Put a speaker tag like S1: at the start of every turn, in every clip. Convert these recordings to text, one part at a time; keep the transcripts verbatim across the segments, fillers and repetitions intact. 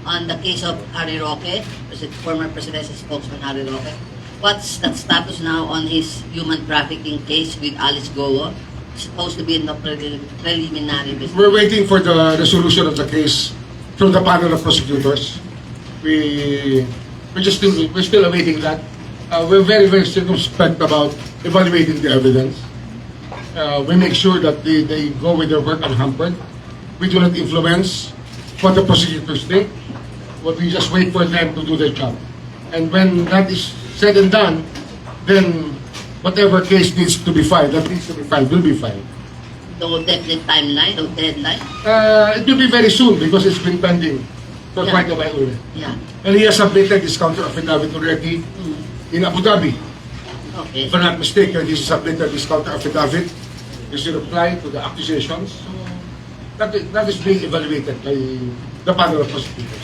S1: on the case of Harry Roque, pres- former presidential spokesman Harry Roque. What's the status now on his human trafficking case with Alice Goa? Supposed to be in the pre- preliminary investigation.
S2: We're waiting for the resolution of the case from the panel of prosecutors. We we're just still we're still awaiting that. Uh, we're very very circumspect about evaluating the evidence. Uh, we make sure that they, they go with their work unhampered. We do not influence what the prosecutors think. But we just wait for them to do their job. And when that is said and done, then whatever case needs to be filed, that needs to be filed, will be filed.
S1: No definite timeline, no deadline.
S2: Uh, it will be very soon because it's been pending for
S1: Yeah.
S2: quite a while already.
S1: Yeah.
S2: And he has submitted his counter affidavit already
S1: Mm.
S2: in Abu Dhabi.
S1: Okay.
S2: If I'm not mistaken, he submitted his counter affidavit. He's a reply to the accusations. That is, that is being evaluated by the panel of prosecutors.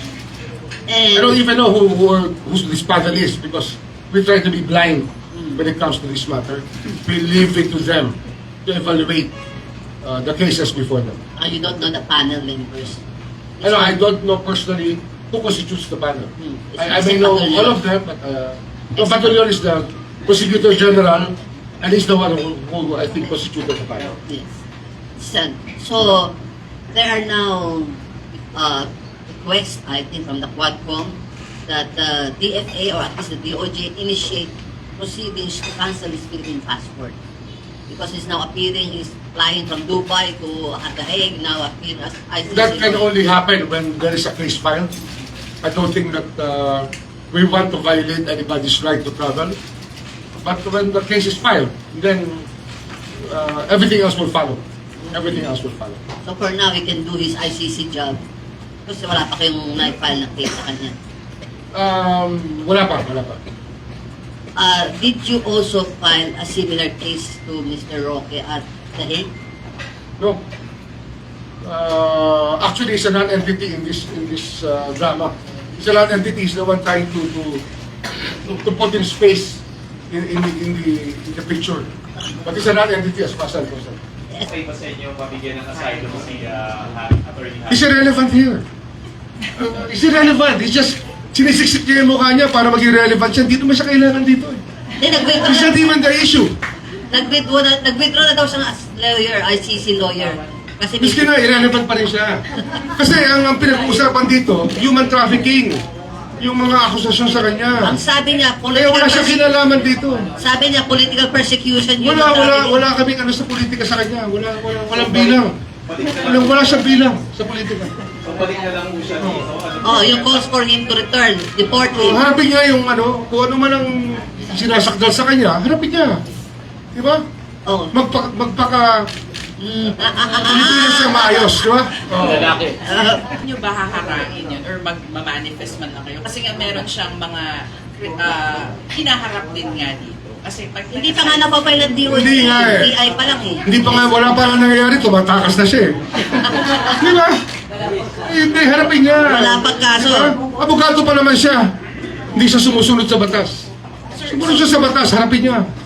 S2: I don't
S1: And
S2: even know who, who are, who this panel is because we try to be blind when it comes to this matter. We leave it to them to evaluate uh, the cases before them.
S1: uh, you don't know the panel members.
S2: I know, I don't know personally who constitutes the panel.
S1: Hmm.
S2: I, I may know all of them, but uh, no, Batalyon is the prosecutor general, and he's the one who, who I think constituted the panel.
S1: Yes. So, so there are now uh, requests, I think, from the Quadcom that the D F A or at least the D O J initiate proceedings to cancel his Philippine passport because he's now appearing, he's flying from Dubai to The Hague, now appearing as I C C.
S2: That can only happen when there is a case filed. I don't think that uh, we want to violate anybody's right to travel. But when the case is filed, then uh, everything else will follow. Everything else will follow.
S1: So for now, he can do his I C C job kasi wala pa kayong na-file na case sa kanya.
S2: Um, wala pa, wala pa.
S1: Uh, did you also file a similar case to Mister Roque at The Hague?
S2: No. Uh, actually, it's a non-entity in this in this uh, drama. It's a non-entity. He's the one trying to to, to, to put in space in, in, the, in the in the picture. But it's a non-entity as far as I'm concerned.
S3: Okay ba sa inyo mabigyan ng asylum si uh, Attorney
S2: He's
S3: Harry?
S2: irrelevant here. Uh, he's irrelevant. He's just sinisiksik niya yung mukha niya para maging relevant siya. Dito man siya kailangan dito. Eh.
S1: Hindi, nag-withdraw
S2: He's
S1: na,
S2: not even the issue.
S1: nag-withdraw na, nag-withdraw na daw siya as lawyer, I C C lawyer. Kasi
S2: Miski na, irrelevant pa rin siya. Kasi ang, ang pinag-uusapan dito, human trafficking. Yung mga akusasyon sa
S1: ang
S2: kanya.
S1: sabi niya,
S2: Kaya
S1: political,
S2: wala siyang
S1: perse-
S2: kinalaman dito.
S1: sabi niya, political persecution yun.
S2: Wala,
S1: ang
S2: wala,
S1: sabi niya.
S2: wala kaming ano sa politika sa kanya. Wala, wala, walang bilang. Walang, wala siyang bilang sa politika.
S3: So balik na lang po siya dito. Ano
S1: Oh, yung calls for him to return, deport
S2: So,
S1: him.
S2: harapin niya yung ano, kung ano man ang sinasakdal sa kanya, harapin niya. Di ba?
S1: Oh.
S2: Magpa, magpaka,
S1: Mm, ah, ah, ah,
S2: pilipinan siya maayos, di ba? Oh.
S3: lalaki.
S1: ah.
S4: nyo ba haharangin yun or mag-manifest man lang kayo? Kasi nga meron siyang mga uh, hinaharap din nga dito. Kasi pag
S1: Hindi pa nga napapay ng D O J,
S2: Hindi nga eh.
S1: D I pa lang eh.
S2: Hindi pa nga, wala pa nga nangyayari, tumatakas na siya eh. Di ba? Eh, Hindi, harapin niya.
S1: Wala pang kaso.
S2: Di ba? Abogado pa naman siya. Hindi siya sumusunod sa batas. Sumunod siya sa batas, harapin niya.